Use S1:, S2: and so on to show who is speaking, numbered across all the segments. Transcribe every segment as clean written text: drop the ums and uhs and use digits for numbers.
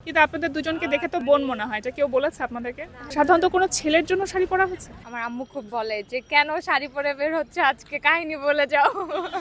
S1: কিন্তু আপনাদের দুজনকে দেখে তো বোন মনে হয়, এটা কেউ বলেছে আপনাদেরকে? সাধারণত কোনো ছেলের জন্য শাড়ি পরা হয়েছে?
S2: আমার আম্মু খুব বলে যে কেন শাড়ি পরে বের হচ্ছে আজকে, কাহিনী বলে যাও।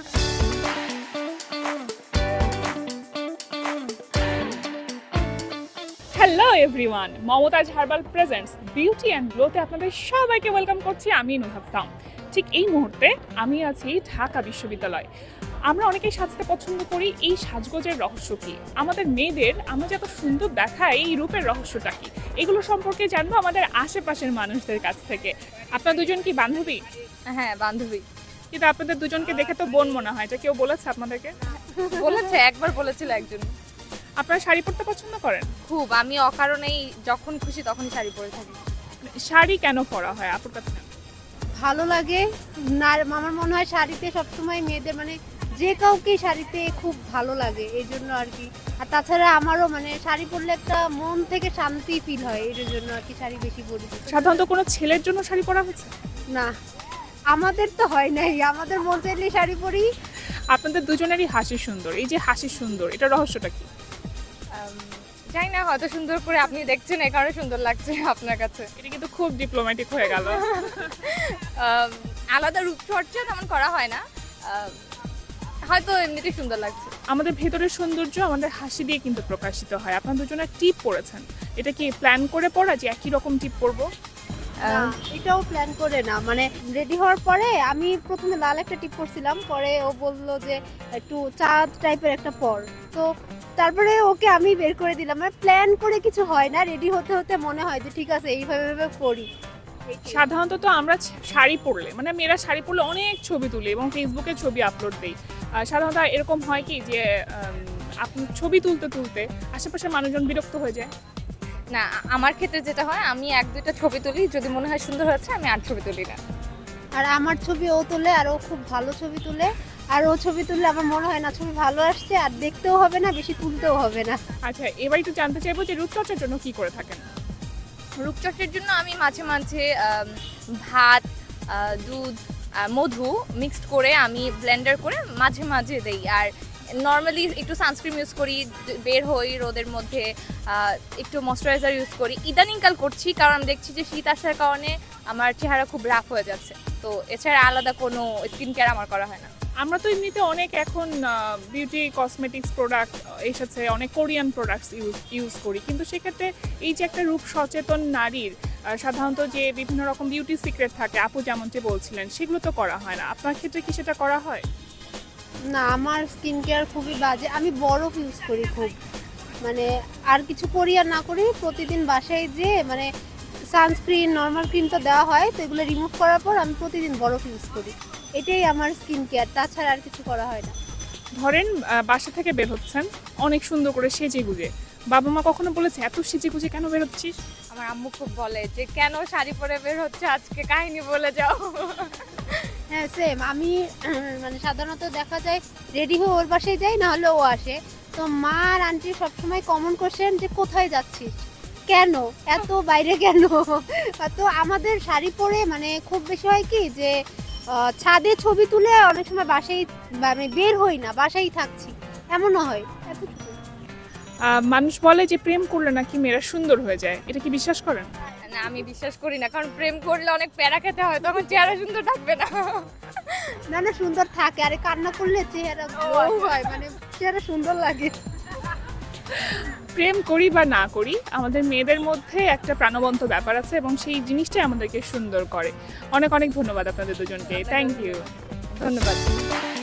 S1: Hello everyone, Mumtaz herbal presents beauty and গ্লোতে আপনাদের সবাইকে ওয়েলকাম করছি। আমি নুহাফতাম। ঠিক এই মুহূর্তে আমি আছি ঢাকা বিশ্ববিদ্যালয়। আমরা অনেকেই সাজতে পছন্দ করি, এই সাজগোজের রহস্য কী, আমাদের মেয়েদের আমরা যে এত সুন্দর দেখাই এই রূপের রহস্যটা কী, এগুলো সম্পর্কে জানবো আমাদের আশেপাশের মানুষদের কাছ থেকে। আপনার দুজন কি বান্ধবী?
S2: হ্যাঁ, বান্ধবী।
S1: কিন্তু আপনাদের দুজনকে দেখে তো বোন মনে হয়, এটা কেউ বলেছে আপনাদেরকে?
S2: বলেছে, একবার বলেছিল একজন।
S1: আপনারা শাড়ি পরতে পছন্দ করেন?
S2: খুব, আমি অকারণেই যখন খুশি তখনই শাড়ি পরে থাকি।
S1: শাড়ি কেন পরা হয় আপুর কাছে?
S3: ভালো লাগে না, আমার মনে হয় শাড়িতে সবসময় মেয়েদের মানে যে কাউকে শাড়িতে খুব ভালো লাগে, এই জন্য আর কি। আর তাছাড়া আমারও মানে শাড়ি পরলে একটা মন থেকে শান্তি ফিল হয়, এর জন্য আর কি শাড়ি বেশি পরি।
S1: সাধারণত কোনো ছেলের জন্য শাড়ি পরা হয়েছে?
S3: না, আমাদের তো হয় নাই, আমাদের মন চাইলে শাড়ি পরি।
S1: আপনাদের দুজনেরই হাসি সুন্দর, এই যে হাসি সুন্দর, এটা রহস্যটা কি?
S2: জানি না, হয়তো সুন্দর করে আপনি দেখছেন এই কারণে সুন্দর লাগছে আপনার কাছে।
S1: এটা কিন্তু খুব ডিপ্লোম্যাটিক হয়ে গেল।
S2: আলাদা রূপচর্চা তেমন করা হয় না, হয়তো এমনিতেই সুন্দর লাগছে।
S1: আমাদের ভেতরের সৌন্দর্য আমাদের হাসি দিয়ে কিন্তু প্রকাশিত হয়। আপনার দুজনের টিপ পরেছেন, এটা কি প্ল্যান করে পড়া যে একই রকম টিপ পরবো?
S3: না, এটাও প্ল্যান করে না, মানে রেডি হওয়ার পরে আমি প্রথমে লাল একটা টিপ পরছিলাম, পরে ও বললো যে একটু চাঁদ টাইপের একটা পর, তো তারপরে ওকে আমি বের করে দিলাম। মানে প্ল্যান করে কিছু হয় না, রেডি হতে হতে মনে হয় যে ঠিক আছে এইভাবে করি।
S1: সাধারণত তো আমরা শাড়ি পরলে, মানে মেয়েরা শাড়ি পরলে অনেক ছবি তুলি এবং ফেসবুকে ছবি আপলোড দিই। সাধারণত এরকম হয় কি যে আপনি ছবি তুলতে তুলতে আশেপাশের মানুষজন বিরক্ত হয়ে যায়?
S2: না, আমার ক্ষেত্রে যেটা হয়, আমি এক দুইটা ছবি তুলি, যদি মনে হয় সুন্দর হয়েছে আমি আর ছবি তুলি না।
S3: আর আমার ছবি ও তোলে, আর ও খুব ভালো ছবি তুলে, আর ও ছবি তুললে আমার মনে হয় না ছবি ভালো আসছে, আর দেখতেও হবে না, বেশি তুলতেও হবে না।
S1: আচ্ছা, এবার একটু জানতে চাইবো যে রূপচর্চার জন্য কি করে থাকেন?
S2: রূপচর্চার জন্য আমি মাঝে মাঝে ভাত, দুধ, মধু মিক্সড করে আমি ব্লেন্ডার করে মাঝে মাঝে দেই। আর নর্মালি একটু সানস্ক্রিন ইউজ করি, বের হই রোদের মধ্যে, একটু ময়শ্চারাইজার ইউজ করি। ইদানিংকাল করছি কারণ আমি দেখছি যে শীত আসার কারণে আমার চেহারা খুব রাফ হয়ে যাচ্ছে, তো এছাড়া আলাদা কোনো স্কিন কেয়ার আমার করা হয় না।
S1: আমরা তো এমনিতে অনেক এখন বিউটি কসমেটিক্স প্রোডাক্ট এসেছে, অনেক কোরিয়ান প্রোডাক্টস ইউজ করি, কিন্তু সেক্ষেত্রে এই যে একটা রূপ সচেতন নারীর সাধারণত যে বিভিন্ন রকম বিউটি সিক্রেট থাকে, আপু যেমনটি বলছিলেন, সেগুলো তো করা হয় না। আপনার ক্ষেত্রে কি সেটা করা হয়?
S3: না, আমার স্কিন কেয়ার খুবই বাজে, আমি বরফ ইউজ করি খুব, মানে আর কিছু করি আর না করি, প্রতিদিন বাসায় যে মানে সানস্ক্রিন নর্মাল ক্রিম তো দেওয়া হয়, তো এগুলো রিমুভ করার পর আমি প্রতিদিন বরফ ইউজ করি, এটাই আমার স্কিন কেয়ার, তাছাড়া আর কিছু করা হয় না।
S1: ধরেন বাসা থেকে বের হচ্ছেন অনেক সুন্দর করে সেজে গুজে, বাবা মা কখনো বলেছে এত সেজে গুজে কেন বের হচ্ছিস?
S2: আমার আম্মু খুব বলে যে কেন শাড়ি পরে বের হচ্ছে আজকে, কাহিনী বলে যাও।
S3: হ্যাঁ, সেম আমি মানে সাধারণত দেখা যায় রেডি হয়ে ওর বাসায় যাই, না হলে ও আসে, তো মা আর আন্টি সবসময় কমন কোশ্চেন যে কোথায় যাচ্ছিস, কেন এত বাইরে কেন। তো আমাদের শাড়ি পরে মানে খুব বেশি হয় কি যে ছাদে ছবি তুলে অনেক সময় বাসায় মানে বের হই না, বাসায় থাকছি, এমনও হয়। এতটুকু।
S1: মানুষ বলে যে প্রেম করলে নাকি মেয়েরা সুন্দর হয়ে যায়, এটা কি বিশ্বাস করেন?
S2: না, আমি বিশ্বাস করি না, কারণ প্রেম করলে অনেক প্যারা খেতে হয়, তখন চেহারা সুন্দর থাকবে না।
S3: না না, সুন্দর থাকে, আরে কান্না করলে চেহারা গ্লো হয়, মানে চেহারা সুন্দর লাগে।
S1: প্রেম করি বা না করি, আমাদের মেয়েদের মধ্যে একটা প্রাণবন্ত ব্যাপার আছে এবং সেই জিনিসটাই আমাদেরকে সুন্দর করে। অনেক অনেক ধন্যবাদ আপনাদের দুজনকে। Thank you.
S2: ধন্যবাদ।